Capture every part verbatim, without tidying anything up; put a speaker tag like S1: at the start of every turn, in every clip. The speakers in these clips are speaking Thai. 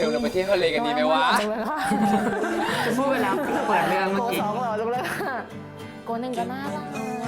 S1: มเราไปเที่ยวทะเลกันดีไหมวะ
S2: พูดไปแล้วเปิดเรื่องเมื่อ
S3: โก
S2: กี้
S3: สองหล่อจังเลยค่ะโกหนึ่งก็น่ารัก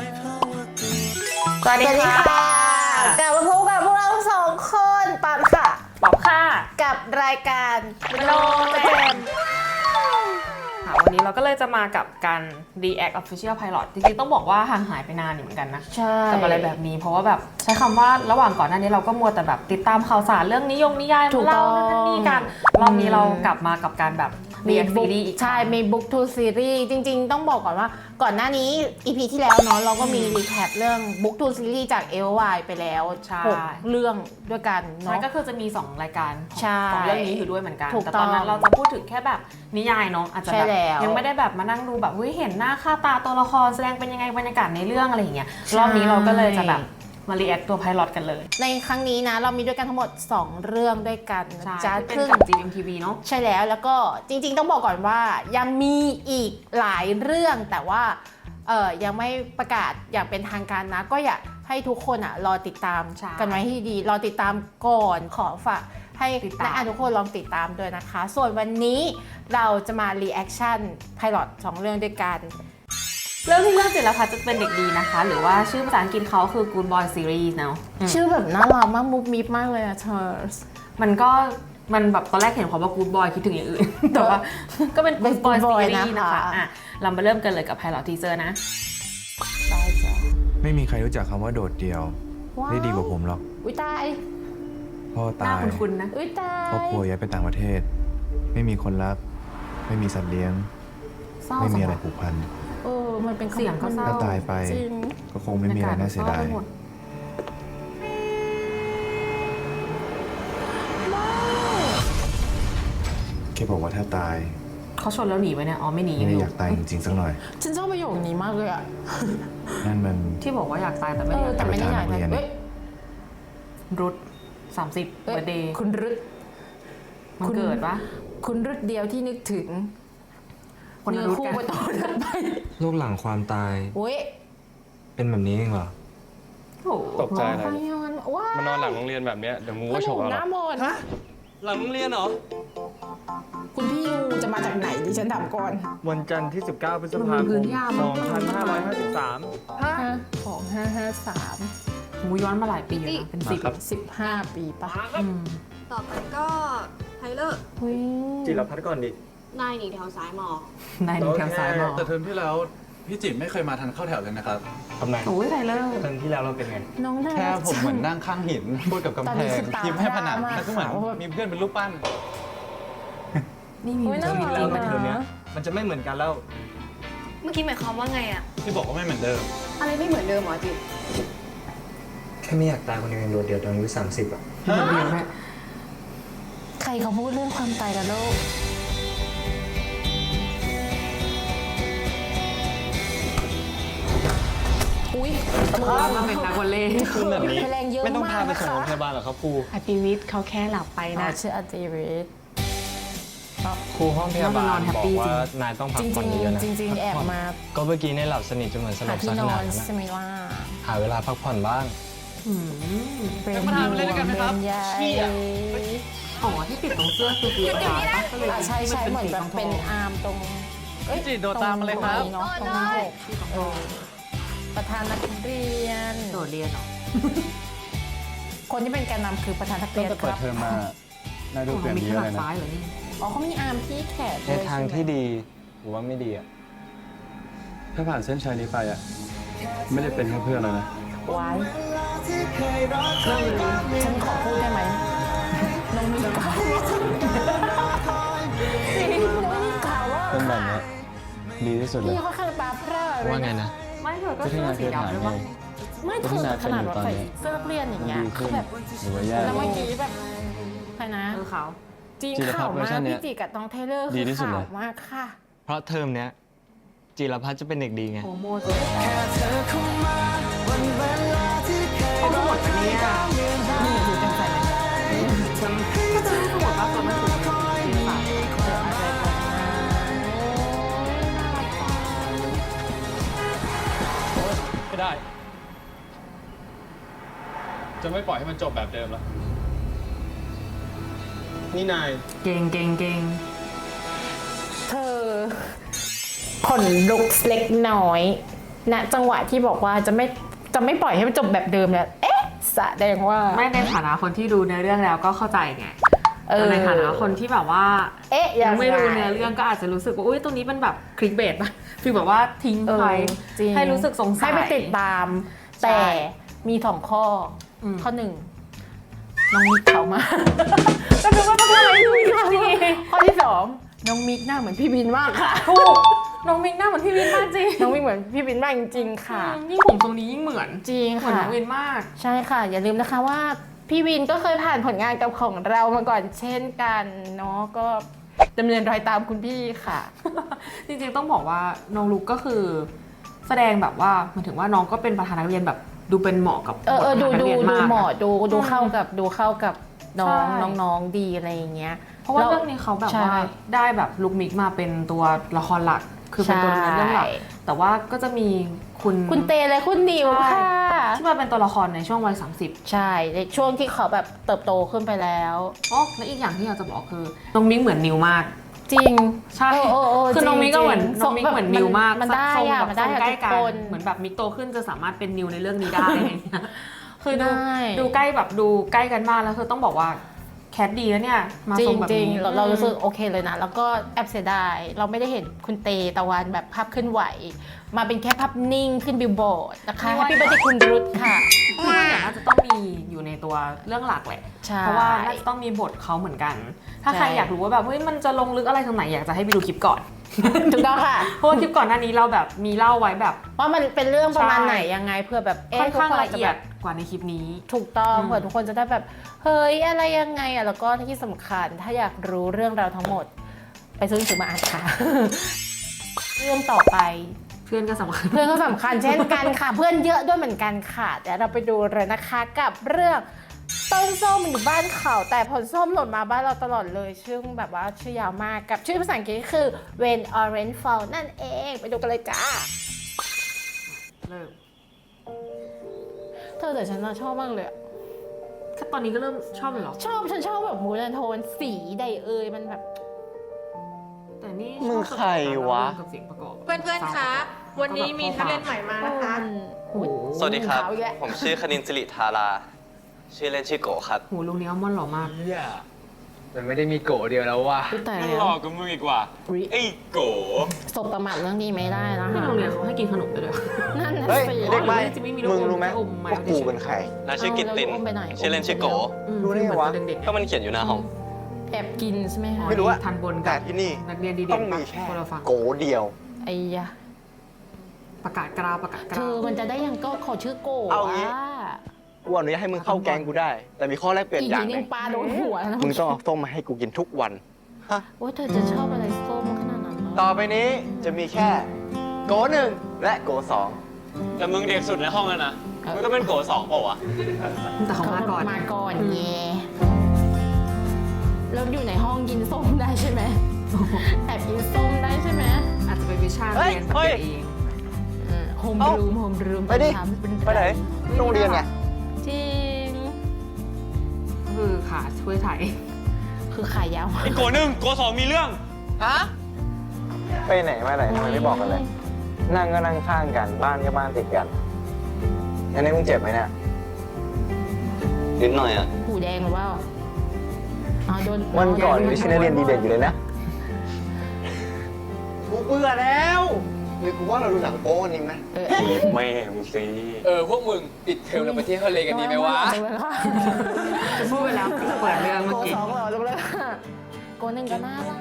S2: สวัสดีค่ะ
S3: กลับมาพบกับพวกเราสองคนปามค่ะ
S2: บอกค่ะ
S3: กับรายการ
S2: โลเจมค่ะวันนี้เราก็เลยจะมากับการ React Official Pilot จริงๆต้องบอกว่าห่างหายไปนานอยู่เหมือนกันนะ
S3: ใช่
S2: กับอะไรแบบนี้เพราะว่าแบบใช้คำว่าระหว่างก่อนหน้านี้เราก็มัวแต่แบบติดตามข่าวสารเรื่องนิยมนิยายมาเล่านั่นนี่กันรอบนี้เรากลับมากับการแบบ React Series อีก
S3: ใช่มี Book to Series จริงๆ ต้องบอกก่อนว่าก่อนหน้านี้ อี พี ที่แล้วเนาะเราก็มีรีแคปเรื่อง Book to Series จาก เอล วาย ไปแล้ว
S2: ใช่
S3: หกเรื่องด้วยกัน
S2: ใช่
S3: เนาะ
S2: ก็คือจะมี สอง รายการ
S3: ใช่
S2: ของเรื่องนี้อยู่ด้วยเหมือนกัน
S3: ถูก
S2: แต่ตอนนั้น
S3: ต้อง
S2: เราจะพูดถึงแค่แบบนิยายเนาะอาจจะ
S3: ใช่
S2: แบบ
S3: แล้ว
S2: ยังไม่ได้แบบมานั่งดูแบบเฮ้ยเห็นหน้าค่าตาตัวละครแสดงเป็นยังไงบรรยากาศในเรื่องอะไรอย่างเงี้ย
S3: ใช่
S2: รอบนี้เราก็เลยจะแบบมารีแอคตัวไพลอตกันเลย
S3: ในครั้งนี้นะเรามีด้วยกันทั้งหมด สอง เรื่องด้วยกันนะ
S2: ใช่
S3: จ๊ะ
S2: ที่เป็น
S3: ซึ่ง
S2: กับ จี เอ็ม ที วี เนาะ
S3: ใช่แล้วแล้วก็จริงๆต้องบอกก่อนว่ายังมีอีกหลายเรื่องแต่ว่าเออยังไม่ประกาศอย่างเป็นทางการนะ ก็อยากให้ทุกคนอ่ะรอติดตาม
S2: ใช่
S3: กันไว้ให้ดี รอติดตามก่อนขอฝากให้
S2: ติดตาม
S3: นักอ่านทุกคนลองติดตามด้วยนะคะ ส่วนวันนี้เราจะมารีแอคชั่นไพลอตสองเรื่องด้วยกัน
S2: เรื่องที่เรื่องจิรพัฒน์จะเป็นเด็กดีนะคะ หรือว่าชื่อภาษาอังกฤษเขาคือ Good Boy Series เนาะอืม
S3: ชื่อแบบน่ารักมากมุกมิบมากเลยอะเธอ
S2: มันก็มันแบบตอนแรกเห็นคำว่า Good Boy คิดถึงอย่างอื่น แต่ว่าก็เป็น
S3: เป็น
S2: Good Boy
S3: Good Boy
S2: Series
S3: นะ
S2: นะคะ คะอ่ะเรามาเริ่มกันเลยกับไพลอตทีเซอร์นะ
S3: ได้จ้ะ
S4: ไม่มีใครรู้จักคำว่าโดดเดี่ยว
S3: ว้าว
S4: ได้ดีกว่าผมหรอก
S3: อุ้ยตาย
S4: พ่อ
S2: หน้า
S4: ตาย
S2: คุ้นๆนะ
S3: อุ้ยตาย
S4: ครอบครัวย้ายไปต่างประเทศ ไม่มีคนรัก ไม่มีสัตว์เลี้ยง
S2: เศร้า
S4: ไม่มี
S2: จัง
S4: อะไร
S2: วะ
S4: ผูกพัน
S3: เออมันเป็น
S2: เสียงก็เศร้
S4: ถ้าตายไป
S3: จริง
S4: ก็คงไม่มีอะไรน่าเสียดาย
S2: บรรกศมันเศร้ไปหมด
S4: แค่บอกว่าถ้าตาย
S2: เขาชนแล้วหนีไปเนี่ยอ๋อไม่หนี
S4: ไม่
S2: อ
S4: ได้
S2: ยู่
S4: อยากตายจริงๆสักหน่อย
S3: ฉันชอบประโยคนี้มากเลยอะ
S4: นั่นมัน
S2: ที่บอกว่าอยากตายแต่
S3: เอ
S2: ไม่ได้
S3: อ
S2: อยาก
S3: แต่
S2: ตาย
S3: ไม่ได้อยาก
S4: ไปทานนักเรียน
S3: เอ้ย
S2: รุดสามสิบ
S3: เอ้ย
S2: เบอร์เดย์
S3: คุณรุด
S2: มัน
S3: คุณ
S2: เกิดปะ
S3: คุณรุดเดียวที่นึกถึง
S2: คนละ
S3: เนื้อ
S2: รุด
S3: คู่
S2: กัน
S3: ไปต่อถัดไป
S5: โลกหลังความตาย
S3: โอ้ย
S5: เป็นแบบนี้เองเหรอ
S2: โอ้โห
S1: ตกใจอะไร
S3: ไปนอนว้าม
S1: านอนหลังโรงเรียนแบบเนี้ยเดี๋ยวงูก็ฉก
S3: ห
S1: เราหร
S3: น้า
S1: อก
S3: มน
S5: หลังโรงเรียนเหรอ
S3: คุณพี่งูจะมาจากไหนดิฉันถามก่อน
S6: วันจันทร์ที่ สิบเก้า พฤษภาคม สองพันห้าร้อยห้าสิบสาม
S3: ของห้าห้าสาม
S2: งูย้อนมาหลายปีอยู่นะเป็นสิบ
S3: สิบห้าปีปะ
S2: อืม
S7: ต่อไปก็ไทเลอร์
S3: เฮ้ย
S6: จิรพัฒน์ก่อนดิ
S7: นายหนีแถวซ้ายมอ
S2: นายหนีแถวซ้ายมอ
S8: แต่เทอมที่แล้วพี่จิ๋มไม่เคยมาทันเข้าแถวเลยนะครับ
S6: ทำไม
S2: โอ้ยไทเลอร์
S6: เทอมที่แล้วเราเป็นไง
S3: น้องน่า
S8: แค่
S3: รัก
S8: ผมเหมือนนั่งข้างหิน พูดกับกำ
S3: ตอน
S8: แพ
S3: นี้
S8: ง
S3: คือตา
S8: พิมพ์ให้ผนัง
S3: พร่ามาก
S8: แล้วก็เหมือน
S3: ค่ะ
S8: มีเพื่อนเป็นรูปปั้น
S2: นี่มี
S3: เฮ้ยน่า
S2: ชีวิต
S3: รั
S2: จริ
S3: ก
S2: ง
S6: แล้ว
S2: นะ
S6: เทอมเนี้ยมันจะไม่เหมือนกันแล้ว
S7: เมื่อกี้หมายความว่าไงอะ
S8: ที่บอกว่าไม่เหมือนเดิม
S7: อะไรไม่เหมือนเดิมเหรอจิ
S5: แค่ไม่อยากตายคนเดียวยังโดดเดี่ยวตอนอายุสามสิบอ่ะ
S2: เดียวแม่
S3: ใครเขาพูดเรื่องความตายกันโลกอุ้ย
S2: มาเป็นนักวอลเลย์
S6: คือแบบนี้
S3: แรงเยอะ
S6: ไม่ต้องพาไป
S3: มาก
S6: ส่ง
S3: นะคะ
S6: โรงพยาบาลหรอกครับครู
S2: อติวิทย์เขาแค่หลับไป
S3: อ๋อ
S2: นะ
S3: ชื่ออาติริส
S6: ครูห้องพยาบาล
S2: นอนแฮป
S6: บอ
S2: ปี้
S6: ก
S2: จริง
S6: ว่านายต้องพั
S3: จ
S6: ก
S3: ริง
S6: ผ่อนเยอะๆนะ
S3: จริงจริงๆแอบมา
S6: ก็เมื่อกี้เนี่ยหลับสนิทจนเหมือนสล
S3: หา
S6: บ
S3: ที่
S6: ซะ
S3: น
S6: ข
S3: อ
S6: นาด
S3: น
S6: นั้น
S3: ใช่ไหมล่ะ
S6: หาเวลาพักผ่อนบ้าง
S2: อืม
S3: เป็น
S8: มาทานอะไรด้วยกันไหมครับ
S3: เป็นใหญ่
S2: อ๋อที่ติดตรงเสื้อคือคือตาปะก็เลย
S3: อ่ะใช่ใช่เหมือนแบบเป็นอาร์มตรงเอ้ย
S8: จิโดดตามมาเลยครับ
S3: ตงนี้เนาะตรงหน้าอกเออประธานนักเรียน
S2: โดดเรียนเหรอ
S3: คนที่เป็นแกนนำคือประธานนัก
S8: ตั้
S3: เรี
S8: ง
S3: ยน
S8: แต่
S3: ค
S8: เปิ
S3: รั
S8: ด
S3: บ
S8: เทอมมา นายดูเปลี่ยน
S2: มี
S8: ไปเย
S2: ข
S8: อะ
S2: นา
S8: เล
S2: ด
S8: ยนะ
S2: ซ้ายเหรอนี่
S3: อ๋อเขามีอาร์มที่แขน
S6: ใน
S3: ด้วย
S6: ทาง
S3: ใช่ไหม
S6: ที่ดีหรือว่าไม่ดีอ่ะ
S8: ถ้าผ่านเส้นชัยนี้ไปอ่ะ ไม่ได้เป็นแค่เพื่อนแล้วนะ
S3: ไว้ฉันขอพูดได้ไหมน้องมีกาวน้องมีกาวว่า
S6: เป็นแบบเนี้ยดีที่สุดเลย
S3: พี่เขาข้างตาพร่าเลย
S6: ว่าไงนะ
S2: ไม่เธอก็เสื้อสีดำด้วยปะ
S3: ไม่เธอขนาดว่าใส่เสื้อนักเรียนอย่างเงี้ย
S6: ดีขึ้
S3: คือน แบบ
S6: หรือว่าแย่
S3: แล้วเมื่อกี้แบบใครนะ
S2: เออเขา
S3: จริง
S6: จิรพั
S3: ข่า
S6: ฒ
S3: ว
S6: น์เวอร์
S3: มา
S6: ชั
S3: ก
S6: นเนี้ย
S3: พี่จิกับน้องเทเลอร์
S6: ดี
S3: คือ
S6: ที่สุด
S3: ข่า
S6: เล
S3: วย มากค่ะ
S6: เพราะเทอมเนี้ยจิรพัฒน์จะเป็นเด็กดีไง
S2: โฮโมสุดเขาก็หมดไปเนี่ยนี่ดูจังใส่เลยก็จะไม่ทั้งหมดว่าตัวมันสูงจริงป่ะ
S8: ไม่ได้ จะไม่ปล่อยให้มันจบแบบเดิมแล้ว ผ
S6: นี่นาย
S2: เก่งเก่งเก่ง
S3: เธอขนลุกเล็กน้อยณจังหวะที่บอกว่าจะไม่จะไม่ปล่อยให้มันจบแบบเดิมแล้วเอ๊ะแสดงว่า
S2: ไม่ในฐานะคนที่ดูเนื้อเรื่องแล้วก็เข้าใจไง
S3: เออ
S2: แต่ในฐานะคนที่แบบว่า
S3: เอ๊ะ
S2: ยั
S3: ยัง ง
S2: ไม่รู้
S3: ง
S2: เนื้อเรื่องก็อาจจะรู้สึกว่าอุ้ยตรงนี้เป็นแบบคลิกเบสป่ะฟีลแบบว่าทิ้ง
S3: เออ
S2: ไว้
S3: จริง
S2: ให้รู้สึกสงสัย
S3: ให้ไปติดตาม
S2: ใช่
S3: แต่มีสองข้ออ
S2: ม
S3: ข้อหนึ่งน้องมิกเขามา ก็นึกว่าต้องอะไรดูข้อที่สองน้องมิกหน้าเหมือนพี่บินมากค่ะ
S2: ถูกน้องมิกหน้าเหมือนพี่วินมากจริง
S3: น้องมิกเหมือนพี่บินมากจริงๆค่ะ
S2: อืมยิ่งผมตรงนี้ยิ่งเหมือน
S3: จริง
S2: เหมือน
S3: ค่ะ
S2: น้องวินมาก
S3: ใช่ค่ะ อย่าลืมนะคะว่าพี่วินก็เคยผ่านผลงานกับของเรามาก่อนเช่นกันเนาะก็ดำเนินรอยตามคุณพี่ค่ะ
S2: จริงๆต้องบอกว่าน้องลุกก็คือ แสดงแบบว่าหมายถึงว่าน้องก็เป็นประธานนักเรียนแบบดูเป็นเหมาะกับ
S3: เออเออดู
S2: บทประธานนัก
S3: ดู
S2: เรียน
S3: ดู
S2: มาก
S3: เหมาะ
S2: อะ
S3: ดูดู
S2: อืม
S3: เข้ากับดูเข้ากับน้อง
S2: ใช่
S3: น้องๆดีอะไรอย่างเงี้ย
S2: เพราะว่า
S3: แล้ว
S2: เรื่องนี้เขาแบบ
S3: ใช่
S2: ว่าได้แบบลุกมิกมาเป็นตัวละครหลัก คือเป็นตัวดำเนินเรื่องหลัก
S3: ใช่
S2: แต่ว่าก็จะมีคุณ
S3: คุณเตและคุณนิว
S2: ใช่
S3: ค่ะ
S2: ที่มาเป็นตัวละครในช่วงวัยสามสิบ
S3: ใช่ในช่วงที่เขาแบบเติบโตขึ้นไปแล้ว
S2: อ๋อและอีกอย่างที่อยากจะบอกคือน้องมิกเหมือนนิวมาก
S3: จริง
S2: ใช่
S3: เออเออเออ
S2: คือน้องมิกก็เหมือน
S3: จริงๆ
S2: น้องมิกเหมือนนิวมาก
S3: มันได้
S2: ทรง
S3: อะ
S2: แบบ
S3: มันได้
S2: ทรง
S3: อะ
S2: ใกล้
S3: ทุก
S2: กัน
S3: คน
S2: เหมือนแบบมิกโตขึ้นจะสามารถเป็นนิวในเรื่องนี้ได้อะไรอย่างเงี้ยคือดู
S3: ได้
S2: ดูใกล้แบบดูใกล้กันมากแล้วคือต้องบอกว่าแคทดีแล้วเนี่ยมา
S3: จริ
S2: ทรง งแบบ
S3: จริง
S2: นี้
S3: เราเรารู้สึกโอเคเลยนะ แล้วก็แอบเสียดายเราไม่ได้เห็นคุณเตตะวันแบบภาพเคลื่อนไหว มาเป็นแค่ภาพนิ่งขึ้นบิลบอร์ดนะคะแฮปปี้เบิร์ดเดย์คุณรุตค่ะ
S2: คิดว่าอย่างน่าจะต้องมีอยู่ในตัวเรื่องหลักแหละ
S3: ใช่
S2: เพราะว่าน่าจะต้องมีบทเขาเหมือนกัน ถ้าใคร
S3: ใช่
S2: อยากรู้ว่าแบบเฮ้ยมันจะลงลึกอะไรตรงไหนอยากจะให้ไปดูคลิปก่อน
S3: ถูกต้องค่ะ
S2: เพราะว่าคลิปก่อนหน้านี้เราแบบมีเล่าไว้แบบ
S3: ว่ามันเป็นเรื่องประมาณ
S2: ใช่
S3: ไหนยังไงเพื่อแบบ
S2: ค่อนข้าง
S3: ทุก
S2: ละเอียด
S3: จแบบ
S2: กว่าในคลิปนี้
S3: ถูกต้อง
S2: อืม
S3: เผื่อทุกคนจะได้แบบเฮ้ยอะไรยังไงอ่ะแล้วก็ที่สำคัญถ้าอยากรู้เรื่องราวทั้งหมด ไปซื้อหนังสือมาอ่านค่ะ เรื่องต่อไป
S2: เพื่อนก็สำคัญ
S3: เพื่อนก็สำคัญเช่นกันค่ะ เพื่อนเยอะด้วยเหมือนกันค่ะเดี๋ยวเราไปดูเลยนะคะกับเรื่องต้นส้มอยู่บ้านเขาแต่ผลส้มหล่นมาบ้านเราตลอดเลยชื่อแบบว่าชื่อยาวมากกับชื่อภาษาอังกฤษก็คือ When Orange Fall นั่นเองไปดูกันเลยจ้า
S2: เลิก
S3: เธอแต่ฉันน่ะชอบมากเลยอะ
S2: แค่ตอนนี้ก็เริ่มชอบเลยเหรอ
S3: ชอบฉันชอบแบบมูนโทนสีใดเอ่ยมันแบบ
S2: แต่นี่
S1: มึงใครวะ
S2: กับเสียงประกอบ
S7: เพื่อนๆ คะ วันนี้มีนักเรียนใหม่มานะคะ
S2: โอ้โห
S9: สวัสดีครับ
S3: ขาวอีกแล้ว
S9: ผมชื่อคณินสิริธารา ชื่อเล่นชื่อโกครับ
S2: หูลุงนี้อัลมอนด์หล่อมาก
S1: เฮียมันไม่ได้มีโกะเดียวแล้วว่ะ
S3: อุ๊ยตาย
S1: นั่ง
S3: แล้ว
S1: หลอกกับมึงอีกว่า
S3: อุ๊ย
S1: ไอ้โกะ
S3: สบประมาทเรื่องนี้ไม่ได้นะ
S2: ที่
S3: คะ
S2: โรงเรียนเขาให้กินขนมไปด้วย
S3: นั่นน่ะ
S5: เฮ้ย
S3: สิ
S5: เด็กใหม่
S2: จะไม่มี
S5: มึงรู้ไหม
S2: อมไม้
S5: ว่ากูเป็นใคร
S9: น่าชื่อกิตติน
S3: เอาแล้วอุ้มไปไหน
S9: ชื่อเล่นชื่อโก
S2: อืม
S5: รู้ได้ไงวะ
S2: เหมือนตอนเด็กๆ
S9: ก็มันเขียนอยู่หน้าห้อง
S3: แอบกินใช่ไหมคะ
S5: ไม่รู้อะ
S2: ทันบน
S5: แต่
S2: กับ
S5: ที่นี่
S2: นักเรียนดีเด่น
S5: ต้องมีแค่
S2: คนละฝั่ง
S5: โกเดียว
S3: ไอ้ยะ
S2: ประกาศกราวประกาศก
S3: เธ
S2: ราว
S3: อมันจะได้ยังก็ขอชื่อโก
S5: เอางี้
S3: ะ
S5: กูอนุญาตให้มึงเข้าแกงกูได้ แต่มีข้อแรกเปลี่ยน
S3: อีก
S5: อย่า
S3: นิ
S5: ง
S3: ด
S5: ห
S3: นึ
S5: นึ่
S3: ง
S5: ง
S3: ปลาโดนหัวนะ
S5: มึงต้องเอาส้มมาให้กูกินทุกวัน
S3: โอ้ยเธอจะชอบอะไรส้มขนาดนั้นเหรอ
S5: ต่อไปนี้จะมีแค่ โกหนึ่งและโกสอง
S1: แต่มึงเด็กสุดในห้องแล้วนะ มึงก็เป็นโกะสองเปล่าวะ
S2: แต่เขามาก่อน
S3: มาก่อนเย่แล้วอยู่ในห้องกินส้มได้ใช่ไหมแอบกินส้มได้ใช่ไหม
S2: อาจจะเป็นวิชา
S5: เฮ้
S2: เรี
S5: ย
S2: ยนแบบ
S5: เฮ้ย
S2: เอง
S3: โฮม
S5: เอ้า
S3: รูมโฮมรูม
S5: ไปดิ ไปไหนโรงเรียนไง
S3: จริง
S2: คือขาช่วยถ่าย
S3: คือขายยาว
S1: ไอ้โกะหนึ่งโกะสองมีเรื่อง
S5: ไปไหนมาไหนทำไมไม่บอกกันเลย นั่งก็นั่งข้างกัน บ้านก็บ้านติดกันอันนี้มึงเจ็บไหมเนี่ย
S9: นิดหน่อยอ่ะ
S3: หูแดงหรือเปล่าอ๋อโดน
S5: วันก่อนไม่ใช่นักเรียนดีเด่นอยู่เลยนะ กูเบื่อแล้วหรือกูว่าเราดูหนังโป๊กันนี้ไหม
S3: เออ
S1: แม่มึงสิเออ พวกมึงปิดเทอมเราไปเที่ยวทะเลกันดีไหมวะ
S2: พูดไปแล้วเปิดเรื่องเมื่อ
S3: โก
S2: กี้
S3: สองเหรอจังเลยโกหนึ่งก็น่ารัก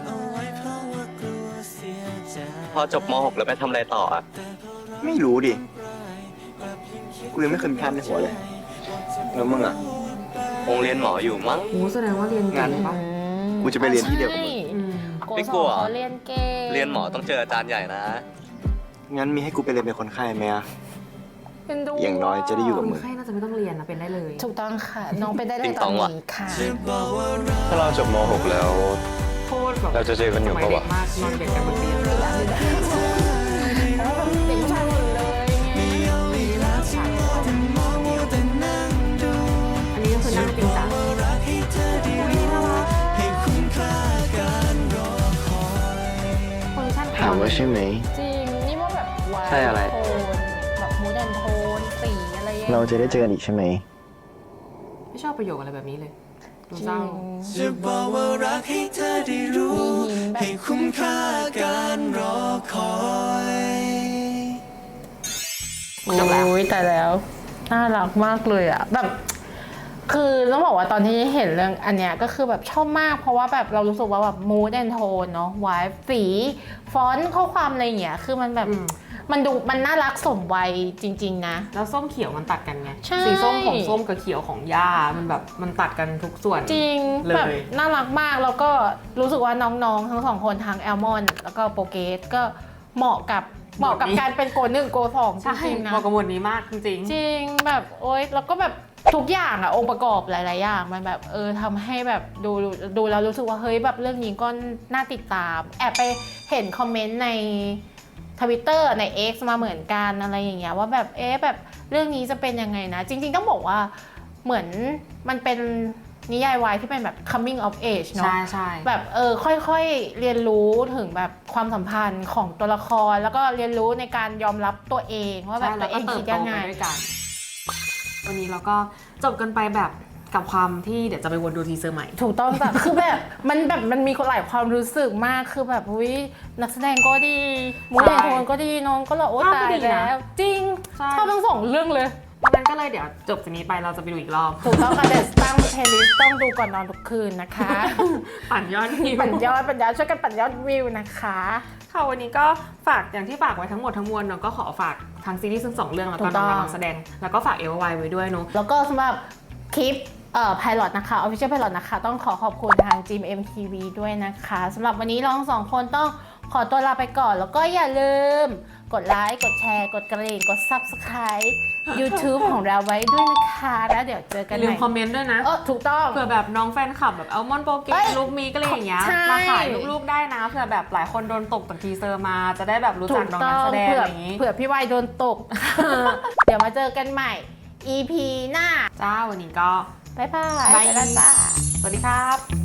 S9: พอจบม .หก แล้วไปทำอะไรต่ออ่ะ
S5: ไม่รู้ดิ กูยังไม่เคยมีภาพในหัวเลย แล้วมึงอ่ะ
S9: คงเรียนหมออยู่มั้ง
S2: โอ้แสดงว่าเรียนเก่งปะ
S5: กูจะไปเรียนที่เดียวกับมึง
S2: อืม
S3: โก
S9: ไม่
S3: ส
S9: กลั
S3: อง
S9: ว
S3: เขาเรียนเก่ง
S9: เรียนหมอต้องเจออาจารย์ใหญ่นะ
S5: งั้นมีให้กูไปเรียนเป็นคนไข้ไหมอะ
S3: เป็นดู
S5: อย่างน้อยจะได้อยู่กับ
S2: ค
S5: มึ
S2: น
S5: ง
S2: ไข้น่าจะไม่ต้องเรียนนะเป็นได้เลย
S3: ถูกต้องค่ะ น้องไปได้ได้
S9: ติ๊ง
S3: ต
S9: ต
S3: อ
S9: อนงว่ะ
S3: นี้ค่ะ
S8: ถ้าเราจบม .หก แล้ว
S2: โคตรแบบ
S8: เราจะเจอกันอยู่
S2: สมั
S8: ปะ
S2: เด็
S8: วะ
S2: กมากนอนเด็กกันบนเตียง
S3: แล้วแบบเด็กผู้ชายหมดเลยไง
S2: อันนี้ก็คือนั่งจริงจังอุ๊ยน่ารัก
S5: แล้วใช่ไหม
S3: จริง นี่ว่าแบบวาย
S9: ใช่อะไร
S3: โทนแบบมูดแอนโทนสีอะไรอย่างเงี้ย
S5: เราจะได้เจอกันอีกใช่ไหม
S2: ไม่ชอบประโยคอะไรแบบนี้เลยดู
S3: จ
S2: เศ
S3: ริ
S2: ร้า
S3: ง
S10: จะบอกว่ารักให้เธอได้รู้
S3: มีหินแบบ
S10: ให้คุ้มค่าการรอคอย
S3: โอ้ยแต่แล้วน่ารักมากเลยอะแบบคือต้องบอกว่าตอนที่เห็นเรื่องอันเนี้ยก็คือแบบชอบมากเพราะว่าแบบเรารู้สึกว่าแบบมูดแอนโทนเนาะวายสีฟอนต์ข้อความอะไรอย่างเงี้ยคือมันแบบ
S2: อืม
S3: มันดูมันน่ารักสมวัยจริงๆนะ
S2: แล้วส้มเขียวมันตัดกันไง
S3: ใช่
S2: สีส้มของส้มกับเขียวของย่ามันแบบมันตัดกันทุกส่วน
S3: จริง
S2: เลย
S3: แบบน่ารักมากแล้วก็รู้สึกว่าน้องๆ ทั้งสองคนทั้งแอลมอนแล้วก็โปรเกสก็เหมาะกับเหมาะกับการเป็นโกหนึ่งโกสองจ
S2: ใช่
S3: ริงๆนะ
S2: เหมาะกับหมวดนี้มากจริง
S3: จริงแบบโอ๊ยแล้วก็แบบทุกอย่างอะองค์ประกอบหลายๆอย่างมันแบบเออทำให้แบบดูดูแล้วรู้สึกว่าเฮ้ยแบบเรื่องนี้ก็น่าติดตาม แอบไปเห็นคอมเมนต์ในทวิตเตอร์ใน X มาเหมือนกันอะไรอย่างเงี้ยว่าแบบเอ๊ะแบบเรื่องนี้จะเป็นยังไงนะ จริงๆต้องบอกว่าเหมือนมันเป็นนิยายวายที่เป็นแบบ coming of age
S2: ๆ
S3: เนาะ
S2: ใช่ใช่
S3: แบบเออค่อยๆเรียนรู้ถึงแบบความสัมพันธ์ของตัวละคร แล้วก็เรียนรู้ในการยอมรับตัวเองว่าแบบ
S2: ใช่
S3: ตั
S2: แล้ว
S3: วเอ
S2: ก็
S3: ง
S2: เติ
S3: คิ
S2: บ
S3: ด
S2: โต
S3: ยังไง
S2: ไปด้วยกัน วันนี้เราก็จบกันไปแบบกับความที่เดี๋ยวจะไปวนดูทีเซอร์ใหม่
S3: ถูกต้องจ้ะ คือแบบมันแบบมันมีหลายความรู้สึกมากคือแบบอุ้ยนักแสดงก็ดีมูดแอนโทนก็ดีน้องก็หล่อโอ้
S2: ภาพก็
S3: ตาย
S2: ดีนะ
S3: แล้ว จริง
S2: ใช่
S3: ชอบทั้งสองเรื่องเลย
S2: วันนั้นก็เลยเดี๋ยวจบจากนี้ไปเราจะไปดูอีกรอบ
S3: ถูกต้องค่ะแต่ตั้งเพลย์ลิสต์ต้องดูก่อนนอนทุกคืนนะคะ
S2: ปั่นยอดวิว
S3: ปั่นยอดปั่นยอดช่วยกันปั่นยอดวิวนะคะ
S2: ค่ะวันนี้ก็ฝากอย่างที่ฝากไว้ทั้งหมดทั้งมวลเนาะก็ขอฝากทั้งซีรีส์ทั้งสองเรื่องแล้วก็น้องๆนักแสดงแล้วก็ฝากเอวไวไว้ด้วยเนาะ
S3: แล้วก็สำหรับคลิปเอ่อ Pilot นะคะ Official Pilot นะคะต้องขอขอบคุณทาง จี เอ็ม ที วี ด้วยนะคะสำหรับวันนี้เราทั้งสองคนต้องขอตัวลาไปก่อน แล้วก็อย่าลืมกดไลค์กดแชร์กดกระดิ่งกด Subscribe YouTube ของเราไว้ด้วยนะคะแล้วเดี๋ยวเจอกัน
S2: อ
S3: ให
S2: ย่าลื
S3: ม่
S2: มคอมเมนต์ด้วยนะ
S3: เออถูกต้อง
S2: เผื่อแบบน้องแฟนคลับแบบอัลมอนด์โปรเก
S3: เอ้
S2: ส
S3: ย
S2: ลูกมีก็เลยอย่างเงี้ย
S3: ใช่
S2: มาขายลูกๆได้นะเผื่อแบบหลายคนโดนตกจากทีเซอร์มาจะได้แบบรู้
S3: ถู
S2: จัก
S3: ก
S2: น้อง
S3: ต้
S2: นั
S3: อก ง
S2: แสดง
S3: เผื่อ
S2: อะไรอย่างงี้
S3: เผื่อพี่วายโดนตก เดี๋ยวมาเจอกันใหม่ อี พี หน้า
S2: จ้าวันนี้ก็
S3: บ๊ายบาย
S2: บ๊าย
S3: ไปแล้วจ้า
S2: สวัสดีครับ